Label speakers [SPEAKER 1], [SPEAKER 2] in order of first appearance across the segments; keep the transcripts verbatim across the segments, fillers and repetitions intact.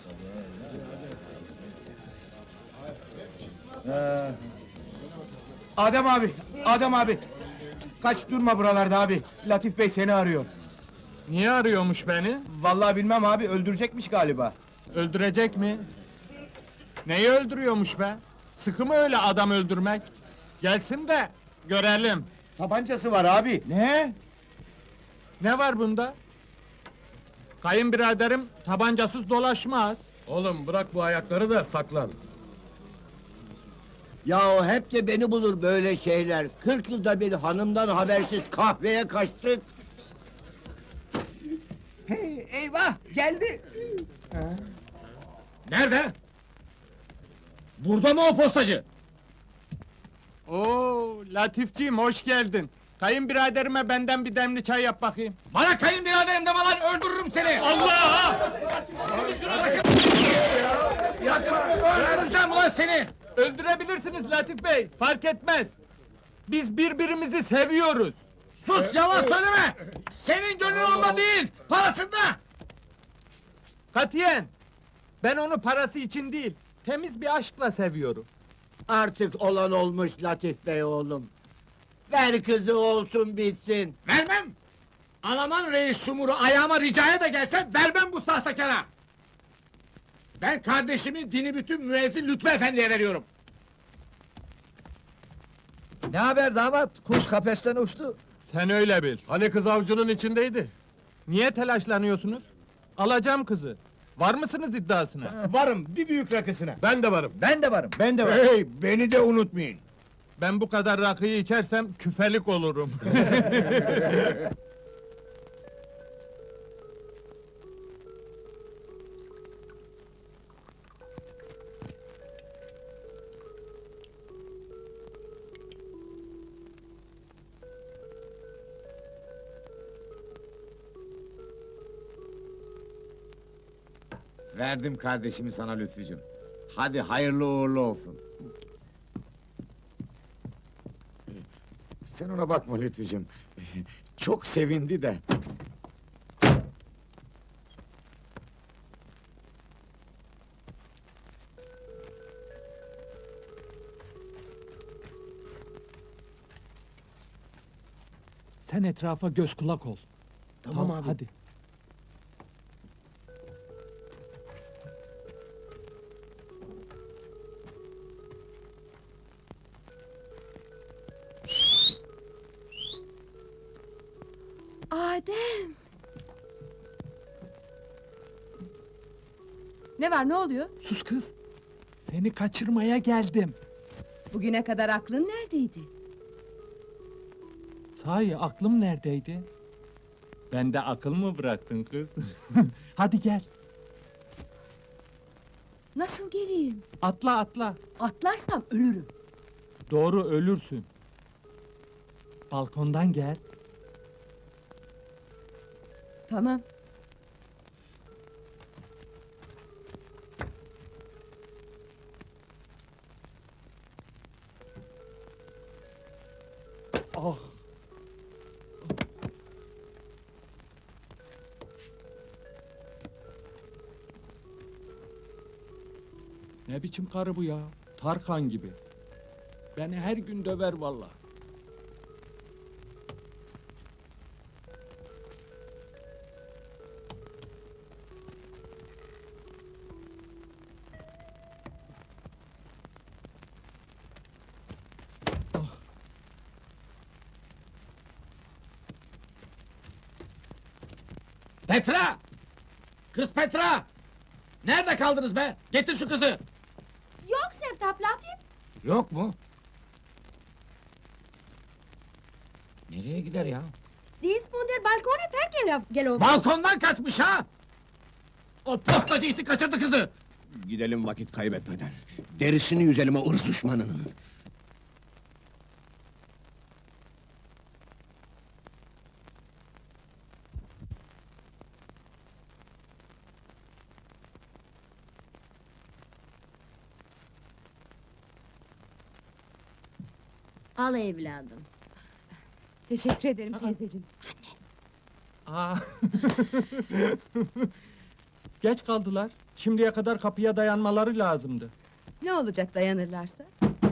[SPEAKER 1] Ee, Adem abi, Adem abi! Kaç durma buralarda abi, Latif Bey seni arıyor.
[SPEAKER 2] Niye arıyormuş beni?
[SPEAKER 1] Vallahi bilmem abi, öldürecekmiş galiba.
[SPEAKER 2] Öldürecek mi? Neyi öldürüyormuş be? Sıkı mı öyle adam öldürmek? Gelsin de görelim.
[SPEAKER 1] Tabancası var abi. Ne?
[SPEAKER 2] Ne var bunda? Kayınbiraderim tabancasız dolaşmaz.
[SPEAKER 3] Oğlum bırak bu ayakları da saklan.
[SPEAKER 4] Yahu hep de beni bulur böyle şeyler. Kırk yılda bir hanımdan habersiz kahveye kaçtık.
[SPEAKER 1] Hey, eyvah, geldi!
[SPEAKER 3] Nerede? Burada mı o postacı?
[SPEAKER 2] Oo, Latifciğim hoş geldin. Kayınbiraderime benden bir demli çay yap bakayım.
[SPEAKER 3] Bana kayınbiraderim deme lan, öldürürüm seni!
[SPEAKER 2] Allah!
[SPEAKER 3] Öldüreceğim ulan seni!
[SPEAKER 2] Öldürebilirsiniz Latif Bey, fark etmez. Biz birbirimizi seviyoruz.
[SPEAKER 3] Sus, yalan söyleme! Senin gönlün onda değil, parasında!
[SPEAKER 2] Katiyen! Ben onu parası için değil, temiz bir aşkla seviyorum.
[SPEAKER 4] Artık olan olmuş Latif Bey oğlum. Ver kızı olsun bitsin.
[SPEAKER 3] Vermem! Alaman reis şumuru ayağıma ricaya da gelse vermem bu sahtekara! Ben kardeşimi dini bütün müezzin Lütfü Efendi'ye veriyorum.
[SPEAKER 5] Ne haber damat? Kuş kafesten uçtu.
[SPEAKER 2] Sen öyle bil.
[SPEAKER 3] Hani kız avcunun içindeydi?
[SPEAKER 2] Niye telaşlanıyorsunuz? Alacağım kızı. Var mısınız iddiasına?
[SPEAKER 1] Varım, bir büyük rakısına.
[SPEAKER 3] Ben de varım.
[SPEAKER 5] Ben de varım.
[SPEAKER 1] Ben de var.
[SPEAKER 3] Hey, beni de unutmayın.
[SPEAKER 2] Ben bu kadar rakıyı içersem küfelik olurum.
[SPEAKER 6] Verdim kardeşimi sana Lütfücüm. Hadi hayırlı uğurlu olsun. Sen ona bakma Lütfücüm. Çok sevindi de.
[SPEAKER 2] Sen etrafa göz kulak ol. Tamam, abi. Hadi.
[SPEAKER 7] Adem! Ne var, ne oluyor?
[SPEAKER 2] Sus kız! Seni kaçırmaya geldim.
[SPEAKER 7] Bugüne kadar aklın neredeydi?
[SPEAKER 2] Sahi aklım neredeydi? Bende akıl mı bıraktın kız? Hadi gel,
[SPEAKER 7] Nasıl geleyim?
[SPEAKER 2] atla atla.
[SPEAKER 7] Atlarsam ölürüm.
[SPEAKER 2] Doğru ölürsün. Balkondan gel.
[SPEAKER 7] Tamam.
[SPEAKER 2] Ah! Ne biçim karı bu ya? Tarkan gibi. Beni her gün döver vallahi.
[SPEAKER 3] Petra! Kız Petra! Nerede kaldınız be? Getir şu kızı!
[SPEAKER 7] Yok Sevtap, Latif!
[SPEAKER 6] Yok mu? Nereye gider ya?
[SPEAKER 7] Sie ist von der Balkone vergelaufen.
[SPEAKER 3] Balkondan kaçmış ha! O postacı iti kaçırdı kızı!
[SPEAKER 4] Gidelim vakit kaybetmeden. Derisini yüzelim o ırz düşmanının.
[SPEAKER 8] Al evladım.
[SPEAKER 7] Teşekkür ederim teyzeciğim.
[SPEAKER 2] Aa! Geç kaldılar. Şimdiye kadar kapıya dayanmaları lazımdı.
[SPEAKER 7] Ne olacak dayanırlarsa?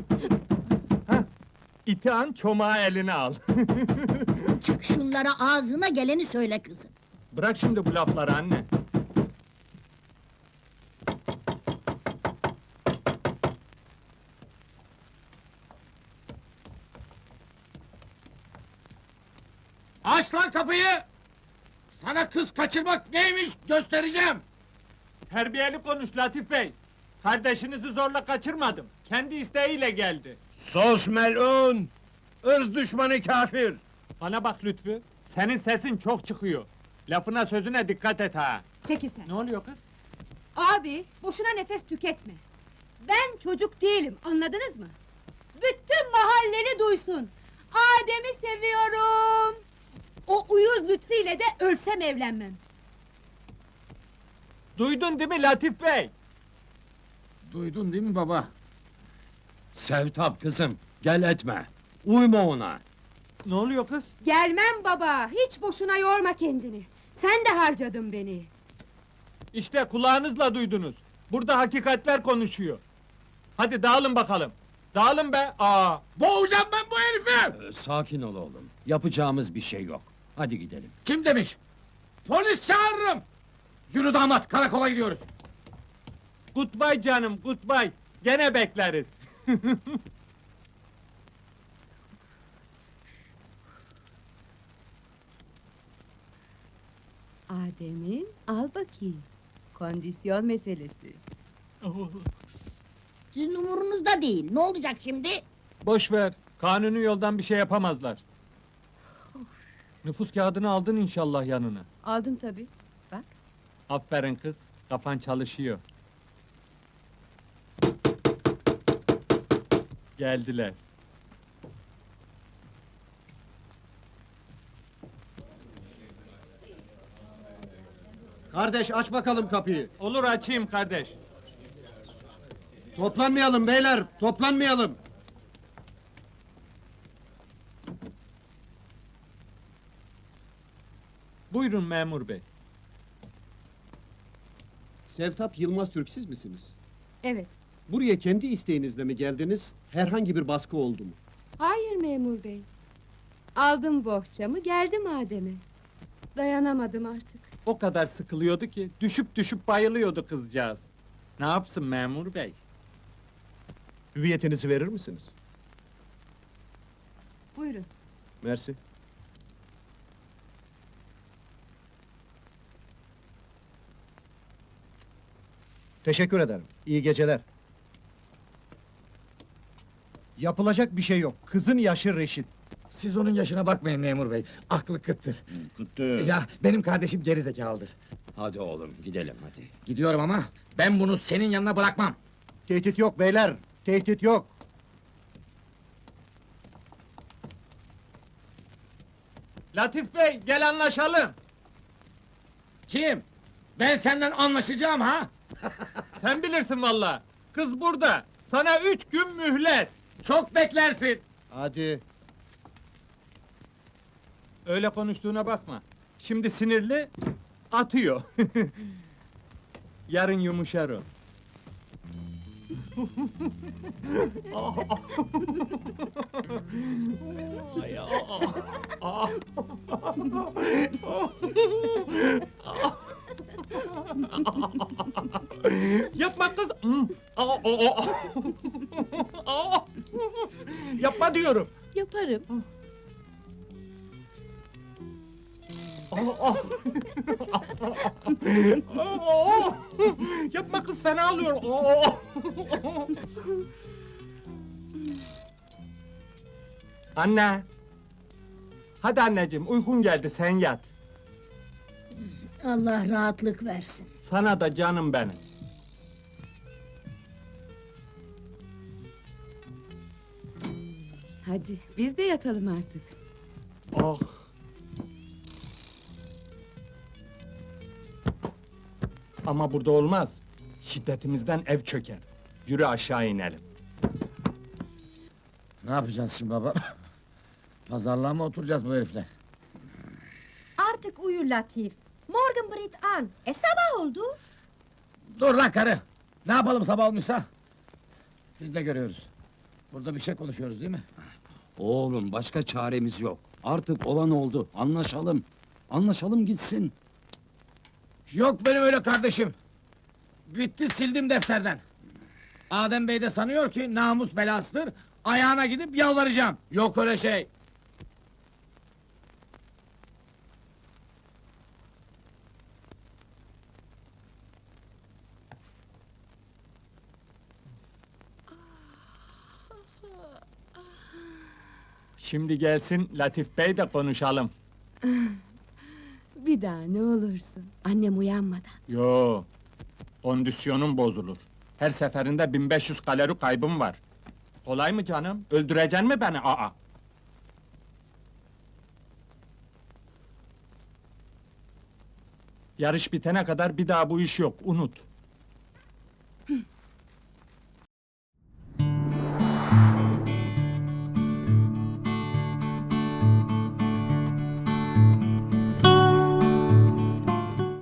[SPEAKER 2] İti an çomağı eline al.
[SPEAKER 8] Çık şunlara ağzına geleni söyle kızım.
[SPEAKER 2] Bırak şimdi bu lafları anne.
[SPEAKER 3] Aç lan kapıyı! Sana kız kaçırmak neymiş göstereceğim!
[SPEAKER 2] Terbiyeli konuş Latif Bey. Kardeşinizi zorla kaçırmadım. Kendi isteğiyle geldi.
[SPEAKER 1] Sos melun! Irz düşmanı kafir!
[SPEAKER 2] Bana bak Lütfü, senin sesin çok çıkıyor. Lafına sözüne dikkat et ha.
[SPEAKER 7] Çekil sen.
[SPEAKER 2] Ne oluyor kız?
[SPEAKER 7] Abi, boşuna nefes tüketme. Ben çocuk değilim, anladınız mı? Bütün mahalleli duysun. Adem'i seviyorum. O uyuz Lütfü ile de ölsem evlenmem.
[SPEAKER 2] Duydun değil mi Latif Bey?
[SPEAKER 6] Duydun değil mi baba?
[SPEAKER 9] Sevtap kızım, gel etme. Uyma ona.
[SPEAKER 2] Ne oluyor kız?
[SPEAKER 7] Gelmem baba, hiç boşuna yorma kendini. Sen de harcadın beni.
[SPEAKER 2] İşte kulağınızla duydunuz. Burada hakikatler konuşuyor. Hadi dağılın bakalım. Dağılın be! Aa!
[SPEAKER 3] Boğacağım ben bu herifi!
[SPEAKER 9] Ee, sakin ol oğlum. Yapacağımız bir şey yok. Hadi gidelim.
[SPEAKER 3] Kim demiş? Polis çağırırım! Yürü damat, karakola gidiyoruz.
[SPEAKER 2] Goodbye canım, goodbye. Gene bekleriz.
[SPEAKER 7] Adem'im, al bakayım. Kondisyon meselesi.
[SPEAKER 8] Sizin umurunuzda değil. Ne olacak şimdi?
[SPEAKER 2] Boş ver. Kanuni yoldan bir şey yapamazlar. Nüfus kağıdını aldın inşallah yanına.
[SPEAKER 7] Aldım tabii. Bak.
[SPEAKER 2] Aferin kız. Kafan çalışıyor. Geldiler.
[SPEAKER 10] Kardeş aç bakalım kapıyı.
[SPEAKER 2] Olur açayım kardeş.
[SPEAKER 10] Toplanmayalım beyler, toplanmayalım.
[SPEAKER 2] Buyurun memur bey.
[SPEAKER 10] Sevtap Yılmaz Türk siz misiniz?
[SPEAKER 7] Evet.
[SPEAKER 10] Buraya kendi isteğinizle mi geldiniz? Herhangi bir baskı oldu mu?
[SPEAKER 7] Hayır memur bey. Aldım bohçamı, geldim Adem'e. Dayanamadım artık.
[SPEAKER 2] O kadar sıkılıyordu ki düşüp düşüp bayılıyordu kızcağız. Ne yapsın memur bey?
[SPEAKER 10] Hüviyetinizi verir misiniz?
[SPEAKER 7] Buyurun.
[SPEAKER 10] Mersi. Teşekkür ederim. İyi geceler. Yapılacak bir şey yok. Kızın yaşı reşit.
[SPEAKER 3] Siz onun yaşına bakmayın memur bey, aklı kıttır.
[SPEAKER 9] Kutlu.
[SPEAKER 3] Ya, benim kardeşim gerizekalıdır.
[SPEAKER 9] Hadi oğlum, gidelim hadi.
[SPEAKER 3] Gidiyorum ama, ben bunu senin yanına bırakmam.
[SPEAKER 10] Tehdit yok beyler. Tehdit yok.
[SPEAKER 2] Latif bey gel anlaşalım.
[SPEAKER 3] Kim? Ben senden anlaşacağım ha?
[SPEAKER 2] Sen bilirsin valla. Kız burada. Sana üç gün mühlet.
[SPEAKER 3] Çok beklersin.
[SPEAKER 10] Hadi.
[SPEAKER 2] Öyle konuştuğuna bakma. Şimdi sinirli, atıyor. Yarın yumuşar o. Ay, aa, aa. Yapma kız. Hmm. Aa, aa, aa. Aa. Yapma diyorum.
[SPEAKER 7] Yaparım.
[SPEAKER 2] Aa, aa. Aa. Yapma kız fena alıyor. Aa. Anne. Hadi anneciğim uykun geldi sen yat.
[SPEAKER 8] Allah rahatlık versin.
[SPEAKER 2] Sana da canım benim.
[SPEAKER 7] Hadi, biz de yatalım artık.
[SPEAKER 2] Ah. Ama burada olmaz. Şiddetimizden ev çöker. Yürü aşağı inelim.
[SPEAKER 6] Ne yapacağız şimdi baba? Pazarlığa mı oturacağız bu herifle?
[SPEAKER 7] Artık uyu Latif. Morgen brit an. E sabah oldu.
[SPEAKER 3] Dur lan karı! Ne yapalım sabah olmuşsa? Biz de görüyoruz. Burada bir şey konuşuyoruz değil mi?
[SPEAKER 9] Oğlum başka çaremiz yok. Artık olan oldu. Anlaşalım. Anlaşalım gitsin.
[SPEAKER 3] Yok benim öyle kardeşim! Bitti, sildim defterden! Adem Bey de sanıyor ki namus belasıdır, ayağına gidip yalvaracağım! Yok öyle şey!
[SPEAKER 2] Şimdi gelsin Latif Bey de konuşalım.
[SPEAKER 7] Bir daha ne olursun. Annem uyanmadan.
[SPEAKER 2] Yo, kondisyonum bozulur. Her seferinde bin beş yüz kalori kaybım var. Kolay mı canım? Öldüreceksin mi beni? Aa! Yarış bitene kadar bir daha bu iş yok, unut.